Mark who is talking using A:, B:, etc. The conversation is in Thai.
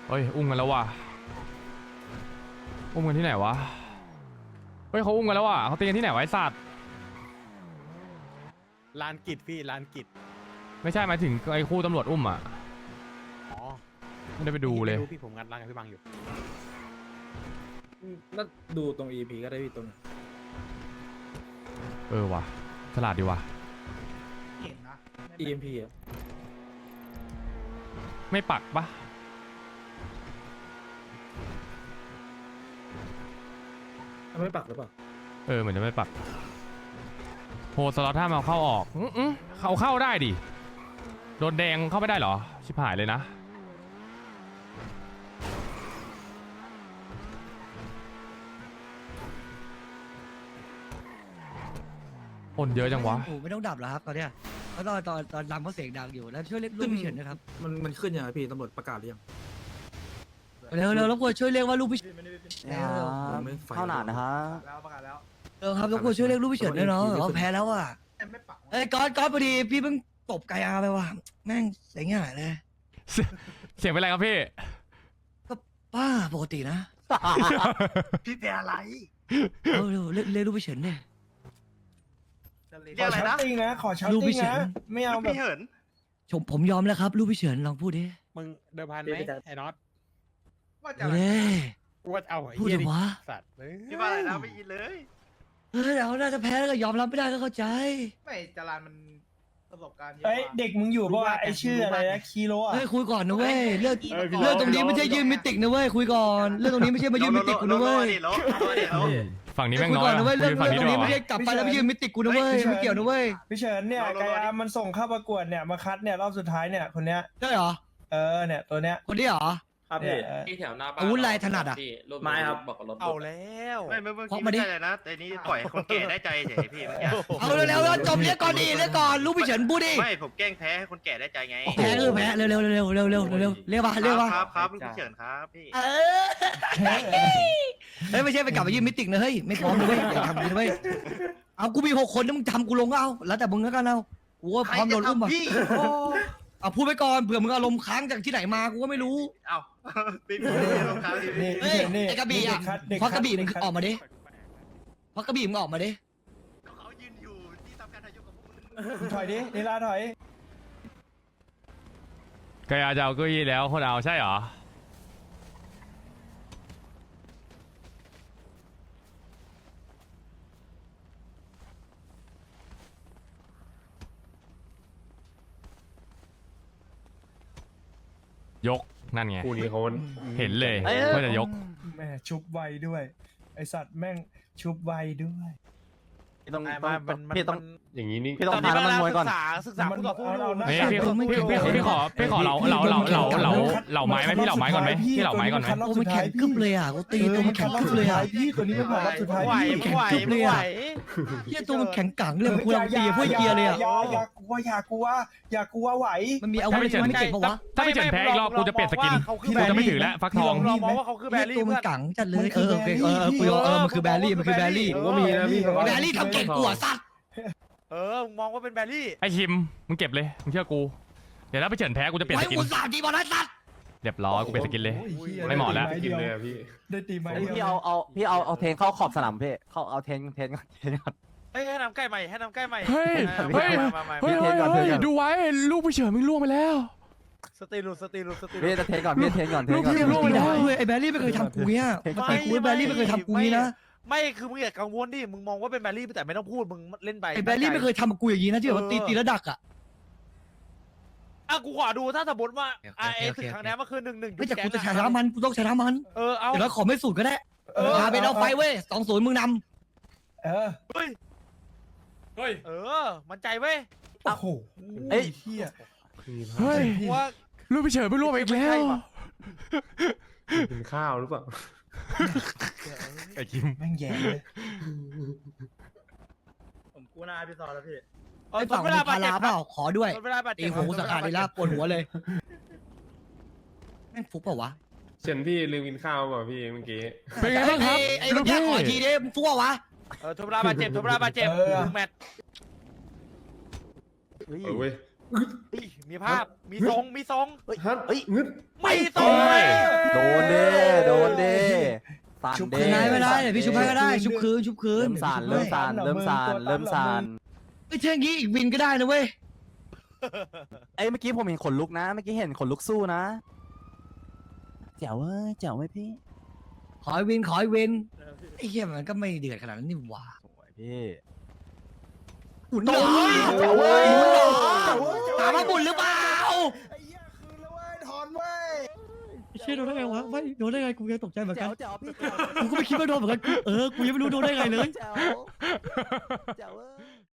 A: เฮ้ยอุ้มกันแล้วว่ะอุ้มกันที่ไหนวะเฮ้ยเขาอุ้มกันแล้วว่ะเขาตีกันที่ไหนวะไอ้สัตว์
B: ลานกิจพี่ลานกิจ
A: ไม่ใช่หมายถึงไอ้คู่ตำรวจอุ้มอ่ะ
B: อ๋อ
A: ไม่ได้ไปดูเลย
B: พี่ผมงัดร้านกับพี่บังอยู่
C: ก็ดูตรง EP ก็ได้พี่ตรง
A: เออว่ะฉลาดดีว่ะ
C: EMP อ่ะ
A: ไม่ปักปะ
C: ไม่ปักหรือเปล่า
A: เออเหมือนจะไม่ปักโหสล็อตถ้ามาเข้าออกเขาเข้าได้ดิโดนแดงเข้าไม่ได้เหรอชิบหายเลยนะคนเยอะจังวะ
D: โอ้ไม่ต้องดับแล้วครับตอนเนี้ยเพราะตอนดังเพราะเสียงดังอยู่แล้วช่วยเรียกลูกพี่เฉินนะครับ
C: มันขึ้นยังไงพี่ตำรวจประกาศหรือยัง
D: เร็วรบกวนช่วยเรียกว่าลูกพี่เฉิน
C: เท่าหนานะฮะ
D: ครับรบกวนช่วยเรียกลูกพี่เฉินด้วยเนาะเขาแพ้แล้วอ่ะเอ้ยก๊อตพอดีพี่เพิ่งตบไกอาไปว่ะแม่งเสียงหายเลย
A: เสียงเป็นไรครับพี่
D: ก็ป้าปกตินะ
E: พี่เป็นอะไร
D: เอาเร็วเรียกลูกพี่เฉินเนี่ย
E: เรียกอะไรนะ
F: ติ้งนะขอชาร์
D: ลูก
F: ติ้
D: พี่
F: ง
D: เฉิน
F: นะไม่เอาแบบ
E: พี่เหิน
D: ผมยอมแล้วครับลูกพี่เฉินลองพูดดิ
B: มึงเดิมพันไหมไอ้น็อต
E: ว่าจะ
D: เอา
E: อะไร
D: เด้
B: กูว่าเอาไอ้
D: พูด
B: เหี้ย
D: เถอะวะ
B: สัตว์เลย
E: พี่ว่าอะไรนะไม่ยินเลย
D: เฮ้ยเราน่าจะแพ้แล้วก็ยอมรับไม่ได้ก็เข้าใจ
E: ไม่จารานมันประสบการณ์เยอะ
F: เอ้ยเด็กมึงอยู่เพราะว่าไอชื่ออะไรนะคีโรอ่ะ
D: เฮ้ยคุยก่อนนะเว้ยเรื่องตรงนี้ไม่ใช่ยืนมิติกนะเว้ยคุยก่อนเรื่องตรงนี้ไม่ใช่มายืนมิติกกูนะเว้ย
A: ฝั่งนี้แม่ง
D: คุย
A: น้อ
D: ก่อย น
A: อะ
D: นะเว้ยเรื่อง
A: ฝั่งนี้
D: ตร
A: ดี
D: ง
A: ก
D: นี้
A: ว่า
D: ไม่ใช่กลับไปแล้วไปยืนมิติกกูนะเว้ยไม่เกี่ยวนะเว้ย
F: พี่เฉินเนี่ยไกอามันส่งเข้าประกวดเนี่ยมาคัดเนี่ยรอบสุดท้ายเนี่ยคนเนี้ย
D: ใช่เหรอ
F: เนี่ยตัวเนี้ย
D: คนนี้เหรอ
C: ครับ
F: เนี่
C: พี่
F: ย
G: ที่แถวหน้าบ้าน
D: อาวุธลายถนัดอะ
C: ไม้ครับ
G: บอกกับรถ
B: เอาแล้ว
E: ไม่เมื่อกี้ไม่ใช่เลยนะ แต่นี้ปล่อยคนแก่ได้ใจเฉยพี่เมื่อกี้
D: เอาเร็วๆจบเรียกก่อนดิเรียกก่อนลูกพี่เฉินพูดดิ
E: ไม่ผมแกล้งแพ้ให้คนแก่ได้ใจไง
D: แพ้คือแพ้เร็วๆเร็วๆเร็วๆเร็วๆเร็วๆเรียกมาเรียกมา
E: ครับลูกพี่เฉินครับพี่
D: เออเฮ้ยไม่ใช่ไปกลับไปยืนมิติกนะเฮ้ยไม่พร้อมเลยเว้ยอย่าทำกูนะเว้ยเอากูมี6 คนถ้ามึงทำกูลงก็เอาแล้วแต่มึงแล้วกันเอากูก็พร้อมโดนอุ้มอ่ะ
E: พี่
D: เอาพูดไปก่อนเผื่อมึงอารมณ์ค้างจากที่ไหนมากูก็ไม่รู้
E: เอ้าพี่รองเท้าดิ
F: นี่
D: เฮ้
F: พี่
D: ย
F: เฉินนี่
D: ไอ้กระบี่อะ
F: เด็ก
D: เพราะกระบี่มึง
F: เด็คัด
D: ออกมาดิเพราะกระบี่มึงออกมาดิ
E: เขายืนอยู่ที่ทำการทายกกับพวกมึง
F: มึงถอยดินิลาถอย
A: ไกอาจะเอาเก้าอี้แล้วคนเอาใช่เหรอยกนั่นไง
H: คู่นี้เขา
A: เห็นเลยว่าจะยก
F: แม่ชุบไวด้วย ไอสัตว์แม่งชุบไวด้วย
C: พี่ต้อง
B: มัน
C: พี่ต้อง
H: อย่างนี้นี่
C: พี่ต้องพาน้ำมันมวยก่อน
B: ศึกษาคู่ต่อสู้
F: เอาหน้า
A: เฮ้ยพี่ขอเหล่าไม้ไหมพี่เหล่าไม้ก่อนไหมพี่เหล่าไม้ก่อนไหม
F: รอบ
D: โอ้
F: สุ
D: มั
F: ด
D: น
F: ท้า
D: แข็
F: ย
D: งกึบเลยอ่ะกูตีตัวมันแข็งกึบเลยอ่ะ
F: พี่ตัวนี้เป็นรอบสุดท้าย
B: ไหว
F: พี่
B: ไหว
D: แข็งกึบเลย
B: ไหว
D: อะ เฮียตัวมันแข็งกังเลยมันกูลองตีพวกเกียร์เลยอ่ะ
F: อย่ากลัวอย่ากลัลัวไหว
D: มันมีอาวุธอะไรไม่เก่งปะวะ
A: ถ้าไม่เฉินแพ้อีกรอบกูจะเปลี่ยนสกินกูจะไม่ถือแล้วฟักทอง
B: ลองมองว่าเขาคือแบ
D: เฮีย
B: รี่
D: ตัวมั
B: เพื่
D: น
B: อน
D: กังจัดเลยโอเคกูยอมมันคือแบรี่มันคือแบรี่
H: ผมก็มีนะพี่
D: แบรี่ทำเก่งกว่าสัตว์
B: มึงมองว่าเป็นแบรี่
A: ไอคิมมึงเก็บเลยมึงเชื่อกูเดี๋ยวถ้าไปเฉินแพ้กูจะเปลี่ยน
D: ไว้
A: สกิน
D: อุตส่าห์ดีบอลนะสัตว์
A: เรียบร้อยกูเปลี่ยนสกินเลย
F: โอ้ยหี้ย
A: ไม่เหมาะแล้ว
H: กินเลยอะพี่
F: ได้ตีไม้
C: พี่
F: เดียว
C: เอาเทนเข้าขอบสนามพี่เข้าเอาเทนก่อน
B: ให้น้ำใกล้ใหม่ให้น้ำใกล้ใหม่
A: เฮ้ยเฮ้ย
B: มา
A: เฮ้ยดูไว้ลูกไปเฉินมึงล่วงไปแล้ว
B: สตีลู
C: พี่จะเทนก่อนพี่เทนก่อน
A: ลูกพี่ล่วงไปแล้ว
D: ไอ้แบรี่ไม่เคยทำกูเนี้ยปกติกูแบรี่ไม่เคยทำกูนี้นะ
B: ไม่คือมึงอย่ากังวลดิมึงมองว่าเป็นแบรี่แต่ไม่ต้องพูดมึงเล่นไป
D: ไอ้แบรี่ไม่เคยทำกับกูอย่างนี้นะที่แบบว่าตีแล้วดักอ่ะ
B: กูขอดูถ้าสมมติว่า
D: โอเค
B: ศึกครั้งนี้มันคือ1-1
D: ไม่แต่กูจะชนะมันกูต้องชนะมัน
B: เอา
D: เดี๋ยวเราขอไม่สูตรก็ได้มาเป็นเอาไฟเว้ย2-0มึงน
F: เออ
B: เฮ้ยมันใจเว้ย
F: โอ้โหเฮ้ยเฮีย
A: เฮ้ย
B: ว่า
A: ลูกไปเฉินมึงล่วงไปอีกแล้ว
H: กินข้าวหรือเปล่า
A: ไอคิม
F: แม่งแย่เลย
C: ผมกู้หน้าพี่ซอแล้วพี่
D: ำไอ้ฝั่งมีพาราเปล่าขอด้วย
B: เวลาบาด
D: ตี
B: เจ็บ
D: หูสกัดเลยละปวดหัวเลยแม่งฟุกเปล่าวะ
H: เช่นพี่ลืมกินข้าวเปล่าพี่เมื่อกี้
A: เป็นไงบ้างครับ
D: ไอ้
A: ลู
D: เมื่
A: ก
D: อกี้
A: พี่
D: ขอทีดิมึงฟุกเปล่าวะ
B: ทุบลาบาดเจ็บ1 แมตช์
H: เว้ย
B: มีภาพมีทรงมีทรง
H: ฮัทงึด
B: มีทรงเลย
C: โดนเด้โดนเด้สั่น
D: ชุบ
C: เด้
D: คืนนายไม่ได้เดี๋ยวพี่ชุบให้ก็ได้ชุบคืน
C: เริ่มสั่นเริ่มสั่นเริ่มสั่นเริ่มสั่น
D: ไอ้ยเท่งงี้อีกวินก็ได้นะเว้ย
C: เอ้ยเมื่อกี้ผมเห็นขนลุกนะเมื่อกี้เห็นขนลุกสู้นะแจ๋วเว้ยแจ๋วไหมพี่
D: ขอให้วินขอให้วินไอ้เหี้ยมันก็ไม่เดือดขนาดนั้นนี่หว่า
C: สวยพี่
D: หมุนหน่อย
C: แจ๋วเว้ย
D: ถามว่าหมุนหรือเปล่า
F: ไอ้เหี้ยคืนแล้วเว้ยถอนเว้ย
D: เชี่ยโดนได้ไงวะไม่โดนได้ไงกูยังตกใจเหมือนกั
C: แจ๋
D: น
C: วแจ๋วพี่
D: กูก็ไม่คิดว่าโดนเหมือนกันกูยังไม่รู้โดนได้ไงเลย
C: แจ๋วแจ๋วเว้ย